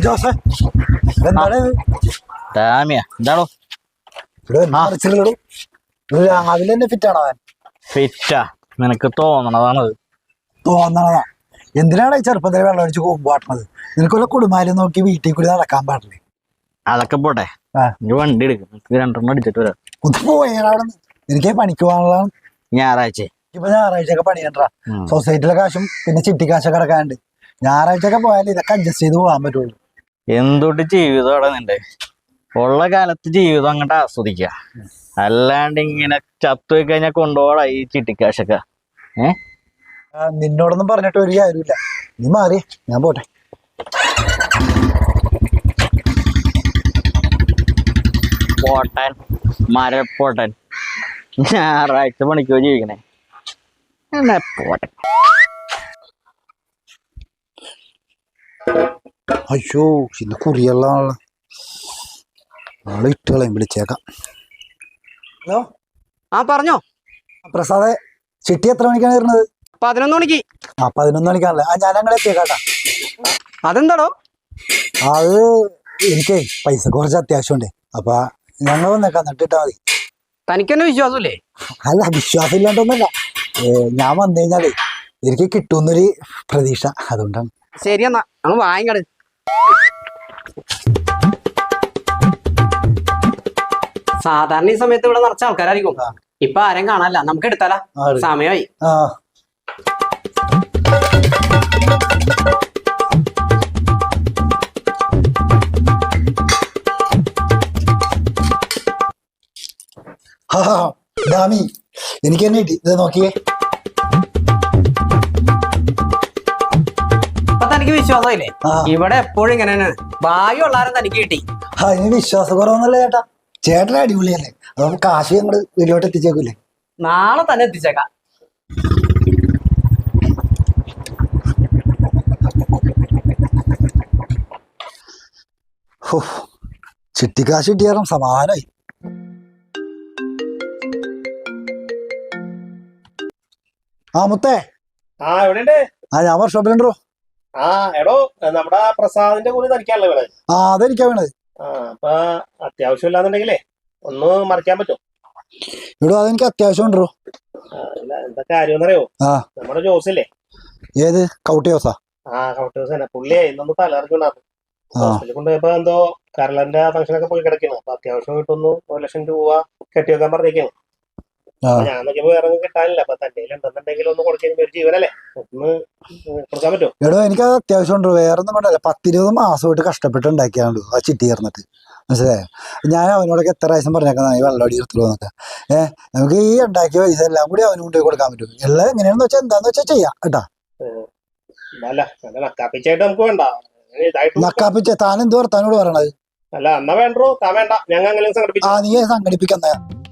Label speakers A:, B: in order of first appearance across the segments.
A: ജോസേ എന്താണ്
B: എന്താണോ
A: രാവിലെ തന്നെ ഫിറ്റാണോ അവൻ?
B: ഫിറ്റാ നിനക്ക് തോന്നണതാണത്.
A: തോന്നണതാ? എന്തിനാണ് ഈ ചെറുപ്പത്തിൽ വെള്ളം അടിച്ച് കൊമ്പാട്ടണത്? നിനക്കുള്ള കുടുംബാലും നോക്കി വീട്ടിൽ കൂടി നടക്കാൻ പാടില്ലേ?
B: അതൊക്കെ പോട്ടെ, വണ്ടി എടുക്കും, 2 അടിച്ചിട്ട് വരാം.
A: ഒന്ന് പോയാൽ അവിടെ എനിക്ക് പണിക്ക് പോകാനുള്ളതാണ്.
B: ഞായറാഴ്ച
A: ഇപ്പൊ ഞായറാഴ്ചയൊക്കെ പണിയണ്ടാ. സൊസൈറ്റിയിലെ കാശും പിന്നെ ചിട്ടി കാശൊക്കെ കിടക്കാനുണ്ട്. ഞായറാഴ്ചയൊക്കെ പോയാൽ ഇതൊക്കെ അഡ്ജസ്റ്റ് ചെയ്ത് പോകാൻ പറ്റുള്ളൂ.
B: എന്തൊട്ട് ജീവിതം അവിടെ നിന്റെ ഉള്ള കാലത്ത് ജീവിതം അങ്ങോട്ട് ആസ്വദിക്കുക, അല്ലാണ്ട് ഇങ്ങനെ ചത്തുപോയി കഴിഞ്ഞാൽ കൊണ്ടുപോടാ ഈ ചിട്ടിക്കാശൊക്കെ.
A: നിന്നോടൊന്നും പറഞ്ഞിട്ട് ഒരു കാര്യമില്ല. നീ മാറി, ഞാൻ പോട്ടെ.
B: പോട്ടൻ മരപ്പോട്ടൻ ഞായറാഴ്ച പണിക്കോ ജീവിക്കണേ. എന്നാ പോട്ടെ.
A: അയ്യോ ഇന്ന് കുറിയുള്ള നാളെ ഇട്ടുകളയും വിളിച്ചേക്കാം. ഹലോ,
C: ആ പറഞ്ഞോ
A: പ്രസാദേ. ചിട്ടി എത്ര മണിക്കാണ് വരുന്നത്?
C: 11 മണിക്ക്.
A: 11 മണിക്കാണല്ലേ? ഞാൻ ഞങ്ങളെ എത്തിയേക്കാട്ടാ.
C: അതെന്താടോ?
A: അത് എനിക്കേ പൈസ കുറച്ച് അത്യാവശ്യമുണ്ട്. അപ്പൊ ഞങ്ങൾ വന്നേക്കാം, നട്ടിട്ടാ മതി.
C: തനിക്കെന്നെ വിശ്വാസമില്ലേ?
A: അല്ല, വിശ്വാസം ഇല്ലാണ്ടൊന്നുമല്ല. ഞാൻ വന്നു കഴിഞ്ഞാലേ എനിക്ക് കിട്ടുമെന്നൊരു പ്രതീക്ഷ, അതുകൊണ്ടാണ്.
C: ശരി എന്നാ അങ്ങ് വാങ്ങിക്കട്. സാധാരണ ഈ സമയത്ത് ഇവിടെ നിറച്ച ആൾക്കാരായിരിക്കും. ഇപ്പൊ ആരും കാണാനല്ല, നമുക്ക് എടുത്താലാ? സമയമായി.
A: ഡാമി, എനിക്ക് തന്നെ കിട്ടി. ഇത് നോക്കിയേ.
C: അപ്പൊ തനിക്ക് വിശ്വാസമില്ലേ? ഇവിടെ എപ്പോഴും ഇങ്ങനെ ഭാഗ്യമുള്ളാരും തനിക്ക് കിട്ടി.
A: അതിന് വിശ്വാസക്കുറവൊന്നുമല്ല ചേട്ടാ. ചേട്ടൻ അടിപൊളിയല്ലേ? അപ്പൊ കാശ് ഞങ്ങള് വീട്ടിലോട്ട് എത്തിച്ചേക്കൂലേ?
C: നാളെ തന്നെ എത്തിച്ചേക്കാം.
A: ചിട്ടിക്കാശ് കിട്ടിയാലും സമാധാനമായി. മുത്തേ.
D: എവിടെയുണ്ട്?
A: ഞാൻ വർക്ക്ഷോപ്പിലുണ്ടോ?
D: എടോ, നമ്മുടെ പ്രസാദിന്റെ കൂടി തനിക്കാണല്ലോ വേണത്.
A: അതെനിക്കാ വേണത്.
D: അപ്പൊ അത്യാവശ്യം ഇല്ലാന്നുണ്ടെങ്കിലേ ഒന്ന് മറിക്കാൻ പറ്റും?
A: എടോ, അതെനിക്ക് അത്യാവശ്യം ഉണ്ടോ.
D: എന്താ കാര്യം അറിയോ? നമ്മുടെ ജോസില്ലേ?
A: ഏത് കൗട്ടി ജോസാ?
D: കൗട്ടി ജോസ് തന്നെ. പുള്ളിയെ ഇന്നൊന്ന് തലയിറക്കുണ്ടായിരുന്നു. ഹോസ്പിറ്റലിൽ കൊണ്ടുപോയപ്പോ എന്തോ കരളന്റെ ഫംഗ്ഷനൊക്കെ പോയി കിടക്കുന്നു. അപ്പൊ അത്യാവശ്യം കിട്ടുന്നു 1 ലക്ഷം രൂപ കെട്ടിവെക്കാൻ പറഞ്ഞേക്കാണ്. ഞാൻ നോക്കിയപ്പോ വേറെ കിട്ടാനില്ല. അപ്പൊ തന്റെ ഉണ്ടെന്നുണ്ടെങ്കിൽ ഒന്ന് കൊടുക്കുന്ന ഒരു ജീവനല്ലേ, ഒന്ന് കൊടുക്കാൻ പറ്റുമോ?
A: എടോ, എനിക്കത് അത്യാവശ്യം ഉണ്ടോ. വേറെ ഒന്നും കൊണ്ടല്ല, 10-20 മാസമായിട്ട് കഷ്ടപ്പെട്ട് ഉണ്ടാക്കിയാണല്ലോ ആ ചിട്ടി ചേർന്നിട്ട്. മനസ്സിലായോ? ഞാൻ അവനോടൊക്കെ എത്ര പ്രാവശ്യം പറഞ്ഞേക്കാം ഈ വെള്ളമടി എടുത്തുള്ളൂ എന്നൊക്കെ. നമുക്ക് ഈ ഉണ്ടാക്കിയ പൈസ എല്ലാം കൂടി അവന് കൊണ്ടുപോയി കൊടുക്കാൻ പറ്റും. എല്ലാം എങ്ങനെയാണെന്ന് വെച്ചാൽ എന്താന്ന് വെച്ചാൽ ചെയ്യാം കേട്ടാ.
D: നക്കാപ്പിച്ചായിട്ട് നമുക്ക് വേണ്ട.
A: നക്കാപ്പിച്ച താൻ എന്ത് വർത്താനോട് പറയണത്?
D: അല്ല, എന്നാ വേണ്ടോ? താൻ വേണ്ട, ഞങ്ങൾ അങ്ങനെ സംഘടിപ്പിച്ചു.
A: നീ സംഘടിപ്പിക്കുന്ന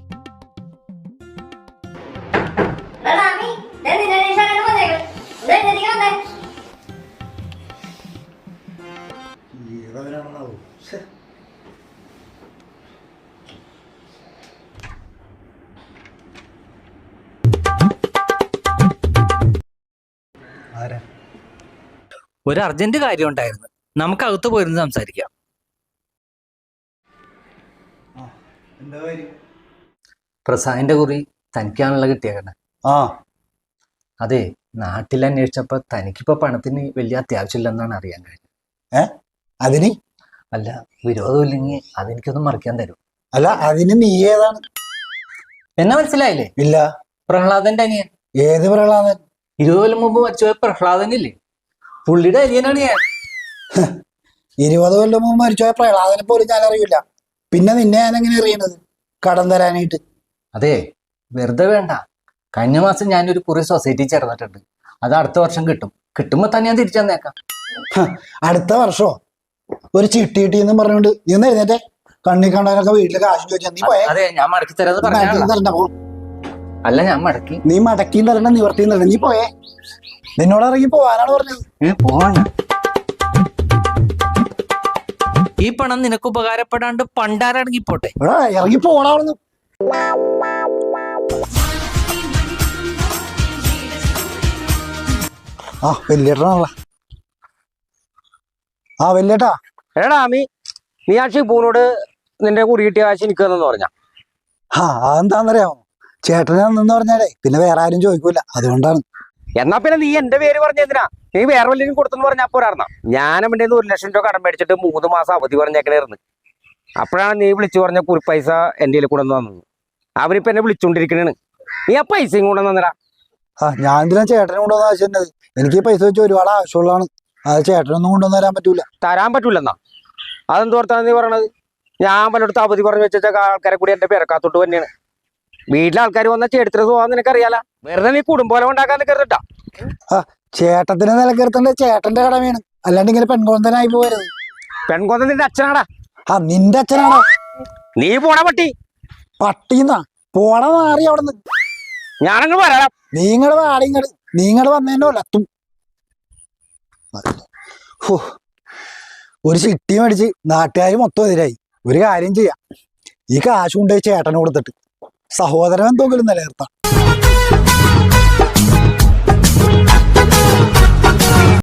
E: ഒരു അർജന്റ് കാര്യം ഉണ്ടായിരുന്നു, നമുക്ക് അകത്ത് പോയിരുന്ന് സംസാരിക്കാം. പ്രസാദിന്റെ കുറി തനിക്കാണല്ലോ കിട്ടിയേക്കണേ. അതെ, നാട്ടിൽ അന്വേഷിച്ചപ്പോ തനിക്കിപ്പോ പണത്തിന് വലിയ അത്യാവശ്യമില്ലെന്നാണ് അറിയാൻ കഴിഞ്ഞത്.
A: അതിന്
E: അല്ല, വിരോധമില്ലെങ്കിൽ അതെനിക്കൊന്നും മറിക്കാൻ തരും.
A: അല്ല, അതിന് നീ ഏതാണ്?
E: എന്നെ മനസ്സിലായില്ലേ?
A: ഇല്ല.
E: പ്രഹ്ലാദന്റെ അനിയൻ.
A: ഏത് പ്രഹ്ലാദൻ?
E: 20 കൊല്ലം മുമ്പ് മരിച്ചുപോയ പ്രഹ്ലാദനില്ലേ, പുള്ളിയുടെ അനിയനാണ് ഞാൻ.
A: 20 കൊല്ലം മുമ്പ് മരിച്ചുപോയ പ്രഹ്ലാദനെ പോലും ഞാൻ അറിയില്ല. പിന്നെ നിന്നെ ഞാൻ എങ്ങനെ അറിയണത് കടം തരാനായിട്ട്?
E: അതെ, വെറുതെ വേണ്ട. കഴിഞ്ഞ മാസം ഞാനൊരു കുറി സൊസൈറ്റി ചേർന്നിട്ടുണ്ട്. അത് അടുത്ത വർഷം കിട്ടും. കിട്ടുമ്പോ തന്നെ ഞാൻ തിരിച്ചു തന്നേക്കാം.
A: അടുത്ത വർഷോ? ഒരു ചിട്ടി കിട്ടിയെന്ന് പറഞ്ഞോണ്ട് നീ ഒന്ന് എഴുന്നേറ്റെ. കണ്ണി കണ്ടവരൊക്കെ വീട്ടില് കാശ് ചോദിച്ചാൽ നീ പോയാ?
E: അതെ, ഞാൻ മടക്കി തരാന്ന് പറഞ്ഞു. അല്ല, ഞാൻ മടക്കി.
A: നീ മടക്കിയും തരണ്ട, നിവർത്തിയും തരണ്ട. നീ പോയേ. നിന്നോട് ഇറങ്ങി പോവാനാണ് പറഞ്ഞത്.
E: പോവാണ്. ഈ പണം നിനക്ക് ഉപകാരപ്പെടാണ്ട് പണ്ടാരടങ്ങിപ്പോട്ടെ.
A: ഇറങ്ങി പോണാവുന്നു. വലിയേട്ടനാണല്ലോ. വലിയേട്ടാ,
F: എടാ നീ ആ ഷിബുവിനോട് നിന്റെ കുറി കിട്ടിയ കാശ് എനിക്ക് തന്നെന്ന് പറഞ്ഞ.
A: അതെന്താന്നറിയാമോ, ചേട്ടനെ നിന്ന് പറഞ്ഞാലേ പിന്നെ വേറെ ആരും ചോദിക്കൂല, അതുകൊണ്ടാണ്.
F: എന്നാ പിന്നെ നീ എന്റെ പേര് പറഞ്ഞെന്തിനാ? നീ വേറെ വല്ലതും കൊടുത്തെന്ന് പറഞ്ഞാൽ പോരായിരുന്ന? ഞാനും എൻ്റെ 1,00,000 രൂപ കടം മേടിച്ചിട്ട് 3 മാസം അവധി പറഞ്ഞേക്കണായിരുന്നു. അപ്പോഴാണ് നീ വിളിച്ചു പറഞ്ഞ കുറി പൈസ എൻ്റെ കയ്യിൽ കൊണ്ടുവന്ന് തന്നത്. അവനിപ്പോ എന്നെ വിളിച്ചോണ്ടിരിക്കണേണ്. നീ ആ പൈസയും കൊണ്ടുവന്ന് തന്നടാ.
A: ഞാൻ എന്തിനാ ചേട്ടനെ കൊണ്ടുവന്ന ആവശ്യമുണ്ട്? എനിക്ക് ഈ പൈസ വെച്ച് ഒരുപാട് ആവശ്യമുള്ളതാണ്. അത് ചേട്ടനൊന്നും കൊണ്ടുവന്ന് തരാൻ പറ്റൂല.
F: തരാൻ പറ്റൂലെന്നാ? അതെന്തോർത്താണ് നീ പറയണത്? ഞാൻ പലയിടത്ത് അവധി പറഞ്ഞു വെച്ച ആൾക്കാരെ കൂടി എന്റെ പേരക്കാത്തോട്ട് തന്നെയാണ്. വീട്ടിലെ ആൾക്കാർ വന്നാൽ ചേട്ടത്തിന് പോകാൻ നിനക്കറിയാല. വെറുതെ നീ കുടുംബം ഉണ്ടാക്കാൻ നിൽക്കരുതട്ടാ.
A: ചേട്ടത്തിന് നിലനിർത്തേണ്ട ചേട്ടന്റെ കടമയാണ്, അല്ലാണ്ട് ഇങ്ങനെ പെൺകൊന്തനായി പോകരുത്.
F: പെൺകൊന്ന നിന്റെ അച്ഛനാടാ.
A: നിന്റെ അച്ഛനാണോ?
F: നീ പോണ പട്ടി.
A: പട്ടിന്നാ പോണ മാറി അവിടെ നിന്ന്.
F: ഞാനങ്ങ് വരാം.
A: നീങ്ങള് വാടിങ്ങള് നീങ്ങള് വന്നതിന്റെ ഒലത്തും. ഒരു ചിട്ടി മേടിച്ച് നാട്ടുകാർ മൊത്തം എതിരായി. ഒരു കാര്യം ചെയ്യാം, ഈ കാശ് കൊണ്ടുപോയി ചേട്ടന് കൊടുത്തിട്ട് സഹോദരൻ എന്തെങ്കിലും നിലനിർത്താം.